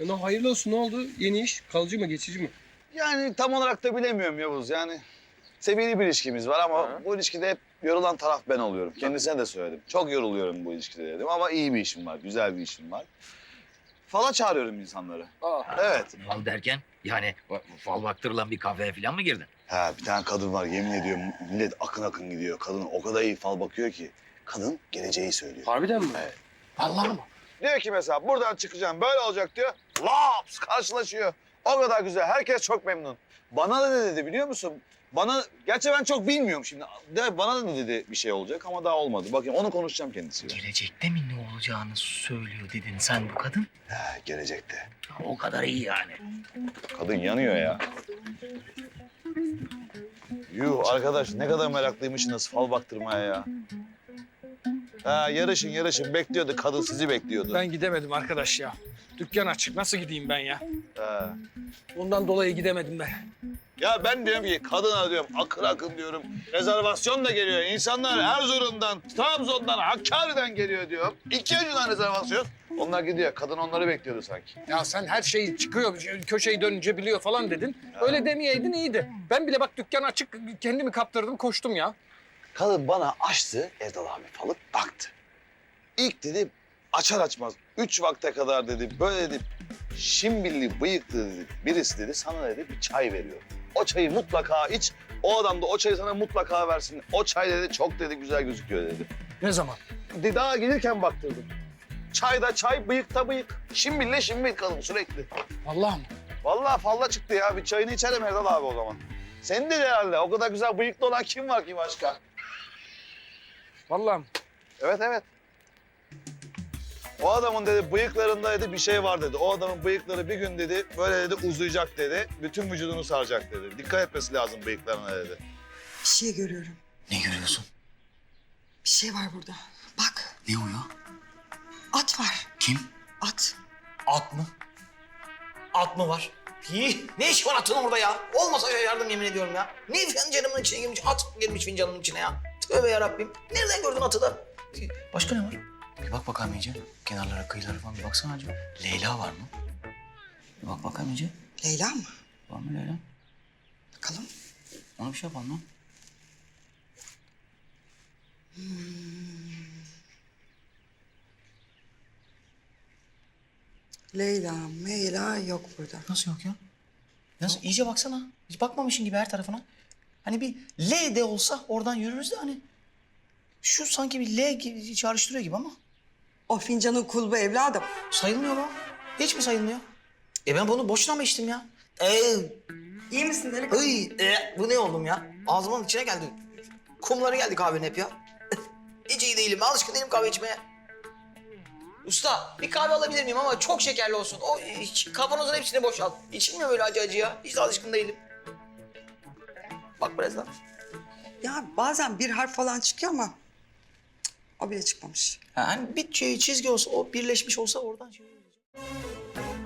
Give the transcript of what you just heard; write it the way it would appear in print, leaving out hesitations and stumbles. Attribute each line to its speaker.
Speaker 1: Hayırlı olsun, ne oldu? Yeni iş, kalıcı mı, geçici mi?
Speaker 2: Yani tam olarak da bilemiyorum Yavuz. Yani seviyeli bir ilişkimiz var ama bu ilişkide hep yorulan taraf ben oluyorum. Kendisine de söyledim. Çok yoruluyorum bu ilişkide dedim ama iyi bir işim var, güzel bir işim var. Fala çağırıyorum insanları. Evet.
Speaker 3: Fal derken yani fal baktırılan bir kafeye falan mı girdin?
Speaker 2: Ha, bir tane kadın var, yemin ediyorum millet akın akın gidiyor. Kadın o kadar iyi fal bakıyor ki. Kadın geleceği söylüyor.
Speaker 1: Harbiden mi?
Speaker 2: Evet.
Speaker 1: Vallahi mı?
Speaker 2: Diyor ki mesela buradan çıkacağım böyle olacak diyor. Laps karşılaşıyor. O kadar güzel, herkes çok memnun. Bana da ne dedi biliyor musun? Gerçi ben çok bilmiyorum şimdi. Bana da ne dedi bir şey olacak ama daha olmadı. Bakayım onu konuşacağım kendisiyle.
Speaker 3: Gelecekte mi ne olacağını söylüyor dedin sen bu kadın.
Speaker 2: Ha, gelecekte.
Speaker 3: O kadar iyi yani.
Speaker 2: Kadın yanıyor ya. Yuh arkadaş ne kadar meraklıymışsınız fal baktırmaya ya. Ha, yarışın bekliyordu, kadın sizi bekliyordu.
Speaker 4: Ben gidemedim arkadaş ya. Dükkan açık. Nasıl gideyim ben ya?
Speaker 2: Ha.
Speaker 4: Ondan dolayı gidemedim ben.
Speaker 2: Ya ben diyorum ki kadına diyorum akın akın diyorum. Rezervasyon da geliyor. İnsanlar Erzurum'dan, Trabzon'dan, Hakkari'den geliyor diyorum. 2 önceden rezervasyon. Onlar gidiyor. Kadın onları bekliyordu sanki.
Speaker 4: Ya sen her şey çıkıyor, köşeyi dönünce biliyor falan dedin. Öyle demeyeydin iyiydi. Ben bile bak dükkan açık, kendimi kaptırdım, koştum ya.
Speaker 2: Kadın bana açtı, Erdal abi falı baktı. İlk dedi açar açmaz 3 vakte kadar dedi böyle dedi şimbilli bıyıklı dedi birisi dedi sana dedi bir çay veriyor. O çayı mutlaka iç, o adam da o çayı sana mutlaka versin. O çay dedi çok dedi güzel gözüküyor dedi.
Speaker 4: Ne zaman?
Speaker 2: Daha gelirken baktırdım. Çayda çay, bıyıkta bıyık. Şimbille şimbil kadın sürekli.
Speaker 4: Vallahi mı?
Speaker 2: Vallahi falla çıktı ya. Bir çayını içerim Erdal abi o zaman. Senin de herhalde. O kadar güzel bıyıklı olan kim var ki başka?
Speaker 4: Vallahi mı?
Speaker 2: Evet, evet. O adamın dedi bıyıklarında dedi bir şey var dedi. O adamın bıyıkları bir gün dedi böyle dedi uzayacak dedi. Bütün vücudunu saracak dedi. Dikkat etmesi lazım bıyıklarına dedi.
Speaker 5: Bir şey görüyorum.
Speaker 3: Ne görüyorsun?
Speaker 5: Bir şey var burada. Bak,
Speaker 3: Ne o ya?
Speaker 5: at var.
Speaker 3: Kim?
Speaker 5: At.
Speaker 3: At mı? At mı var? Ne iş var atın orada ya? Olmasa yardım yemin ediyorum ya. Ne fincanımın içine girmiş, at girmiş fincanımın içine ya. Tövbe yarabbim. Nereden gördün atı da? Başka ne var? Bir bak bakalım iyice. Kenarlara, kıyılara falan bir baksana acaba. Leyla var mı? Bir bak bakalım iyice.
Speaker 5: Leyla mı?
Speaker 3: Var mı Leyla?
Speaker 5: Bakalım.
Speaker 3: Ona bir şey yapalım lan.
Speaker 5: Leyla, Meyla yok burada.
Speaker 3: Nasıl yok ya? Nasıl? İyice baksana. Hiç bakmamışsın gibi her tarafına. Hani bir L de olsa oradan yürürüz de hani. Şu sanki bir L gibi çağrıştırıyor gibi ama.
Speaker 5: O fincanın kulbu evladım.
Speaker 3: Sayılmıyor mu? Hiç mi sayılmıyor? Ben bunu boşuna mı içtim ya?
Speaker 5: İyi misin delikanlı?
Speaker 3: Bu ne oldum ya? Ağzımın içine geldi. Kumları geldi kahvenin hep ya. Hiç iyi değilim. Alışkın değilim kahve içmeye. Usta bir kahve alabilir miyim ama çok şekerli olsun. O kavanozun hepsini boşalt. İçilmiyor böyle acı acı ya. Hiç de alışkın değilim. Bak biraz daha.
Speaker 5: Ya bazen bir harf falan çıkıyor ama cık, o bile çıkmamış.
Speaker 3: Hani bir çizgi olsa, o birleşmiş olsa oradan şey olur.